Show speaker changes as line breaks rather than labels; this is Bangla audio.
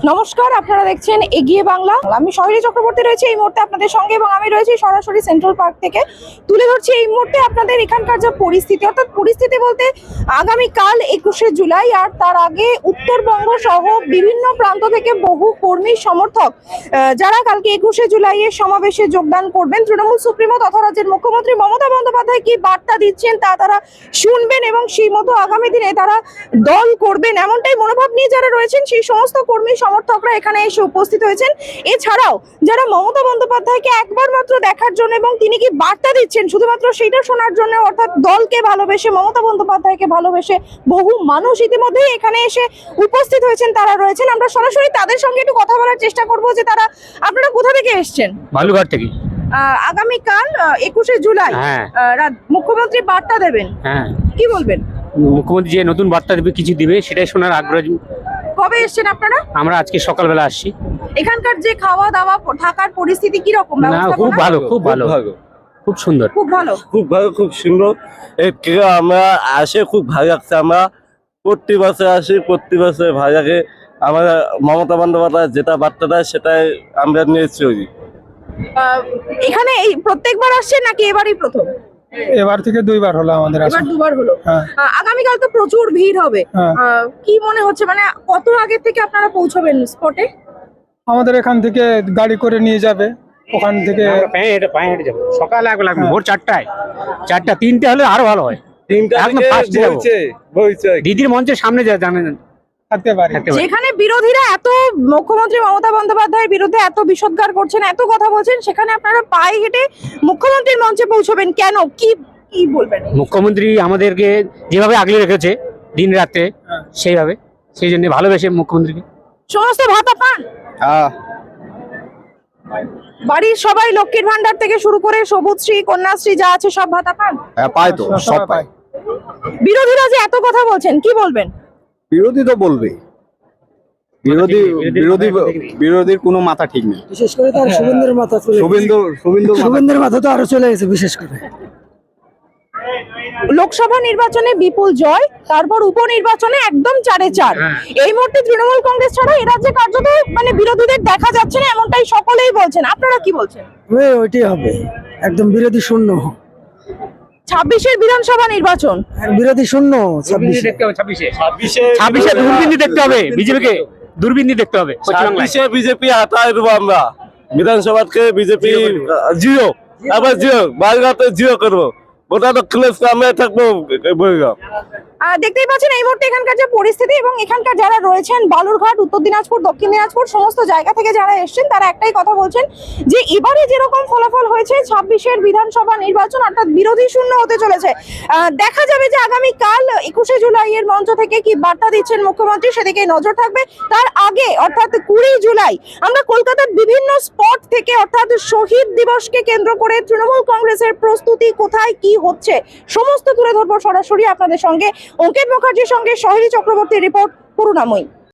নমস্কার, আপনারা দেখছেন এগিয়ে বাংলা। আমি শহরী চক্রবর্তী রয়েছে এই মুহূর্তে আপনাদের সঙ্গে এবং আমি রয়েছি সরাসরি সেন্ট্রাল পার্ক থেকে। তুলে ধরছি এই মুহূর্তে আপনাদের এখানকার যা পরিস্থিতি, অর্থাৎ পরিস্থিতি বলতে আগামীকাল 21শে জুলাই আর তার আগে উত্তরবঙ্গ সহ বিভিন্ন প্রান্ত থেকে বহু কর্মী সমর্থক যারা কালকে 21শে জুলাইয়ের সমাবেশে যোগদান করবেন। তৃণমূল সুপ্রিমো তথা রাজ্যের মুখ্যমন্ত্রী মমতা বন্দ্যোপাধ্যায় কি বার্তা দিচ্ছেন তা তারা শুনবেন এবং সেই মতো আগামী দিনে তারা দল করবেন, এমনটাই মনোভাব নিয়ে যারা রয়েছেন সেই সমস্ত কর্মী সমর্থকরা এখানে এসে উপস্থিত হয়েছেন। এছাড়াও যারা মমতা বন্দ্যোপাধ্যায়কে একবার মাত্র দেখার জন্য এবং তিনি কি বার্তা দিচ্ছেন শুধুমাত্র সেটা শোনার জন্য, অর্থাৎ দলকে ভালোবেসে মমতা বন্দ্যোপাধ্যায়কে ভালোবেসে বহু মানুষ ইতিমধ্যেই এখানে এসে উপস্থিত হয়েছেন, তারা রয়েছেন। আমরা সরাসরি তাদের সঙ্গে একটু কথা বলার চেষ্টা করব যে আপনারা কোথা থেকে এসেছেন।
বালুঘাট থেকে।
আগামীকাল 21শে জুলাই মুখ্যমন্ত্রী বার্তা দেবেন, কি বলবেন?
মুখ্যমন্ত্রী যে নতুন বার্তা দেবে, কিছু দিবে, সেটাই শোনার আগ্রহ।
কবে এসেছেন আপনারা?
আমরা আজকে সকালবেলা আসছি।
এখানকার যে খাওয়া দাওয়া থাকার পরিস্থিতি কি রকম?
খুব ভালো, খুব ভালো, খুব সুন্দর,
খুব ভালো,
খুব ভালো, খুব সুন্দর। আমরা আসে খুব ভালো লাগছে। আমরা প্রতি বছর আসি, প্রতি বছর ভালো লাগে। আমরা মমতা বন্দ্যোপাধ্যায় যেটা বার্তা দেয় সেটাই আমরা নিয়ে চলি।
এখানে এই প্রত্যেকবার আসছেন নাকি এবারই প্রথম?
এবার থেকে দুইবার হলো আমাদের আসা।
এবার দুবার হলো। আগামীকাল তো প্রচুর ভিড় হবে, কি মনে হচ্ছে, মানে কত আগে থেকে আপনারা পৌঁছবেন স্পটে?
আমাদের এখান থেকে গাড়ি করে নিয়ে যাবে, ওখান থেকে
পায়ে হেঁটে যাবো। সকালে লাগবে ভোর 4টায়, 4টা 3টে হলে আরো ভালো হয়। দিদির মঞ্চের সামনে জানেন
যেখানে বিরোধীরা এত মুখ্যমন্ত্রী মমতা বন্দ্যোপাধ্যায়ের বিরুদ্ধে এত বিষোদ্গার করছেন, এত কথা বলছেন, সেখানে আপনারা পায়ে হেঁটে মুখ্যমন্ত্রীর মঞ্চে পৌঁছবেন কেন, কি কি বলবেন?
মুখ্যমন্ত্রী আমাদেরকে যেভাবে আগলে রেখেছে দিন রাতে, সেইভাবে, সেই জন্য ভালোবেসে মুখ্যমন্ত্রীকে।
সমস্ত ভাতা পান? বাড়ির সবাই লক্ষ্মীর ভান্ডার থেকে শুরু করে সবুজশ্রী, কন্যাশ্রী যা আছে সব ভাতা পান?
পায় তো, সব পায়।
বিরোধীরা যে এত কথা বলছেন, কি বলবেন?
বিরোধী তো বলবে, বিরোধীর কোনো মাথা ঠিক নেই।
বিশেষ করে তার শুভেন্দুর মাথা চলে, শুভেন্দুর মাথা তো আরো চলে গেছে। বিশেষ করে
লোকসভা নির্বাচনে বিপুল জয়, তারপর উপনির্বাচনে একদম 4-4। এই মুহূর্তে তৃণমূল কংগ্রেস ছাড়া এই রাজ্যে কার্যত মানে বিরোধীদের দেখা যাচ্ছে না, এমনটাই সকলেই বলছেন। আপনারা কি বলছেন?
ওইটাই হবে, একদম বিরোধী শূন্য।
26-এর বিধানসভা নির্বাচন
বিরোধী শূন্য।
26-এ দূরবীন দেখতে হবে, বিজেপিকে দূরবীন দেখতে হবে।
26-এ বিজেপি হাতায় দেবো আমরা, বিধানসভাকে বিজেপি জিরো, আবার জিরো, বালুঘাটে জিরো করবো। ওটা তো ক্লেস আমরা থাকবো।
দেখতেই পাচ্ছেন এই মুহূর্তে এখানকার যে পরিস্থিতি এবং এখানকার যারা রয়েছেন বালুরঘাট, উত্তর দিনাজপুর, দক্ষিণ দিনাজপুর সমস্ত জায়গা থেকে যারা এসেছেন তারা একটাই কথা বলছেন যে এবারে যেরকম ফলাফল হয়েছে 26-এর বিধানসভা নির্বাচন অর্থাৎ বিরোধী শূন্য হতে চলেছে। দেখা যাবে যে আগামীকাল 21শে জুলাইয়ের মঞ্চ থেকে কি বার্তা দিচ্ছেন মুখ্যমন্ত্রী, সেদিকে নজর থাকবে। তার আগে অর্থাৎ 20 জুলাই আমরা কলকাতার বিভিন্ন স্পট থেকে অর্থাৎ শহীদ দিবসকে কেন্দ্র করে তৃণমূল কংগ্রেসের প্রস্তুতি কোথায় কি হচ্ছে সমস্ত তুলে ধরবো সরাসরি আপনাদের সঙ্গে। অঙ্কিত মুখার্জির সঙ্গে শহরী চক্রবর্তী, রিপোর্ট করুণাময়ী।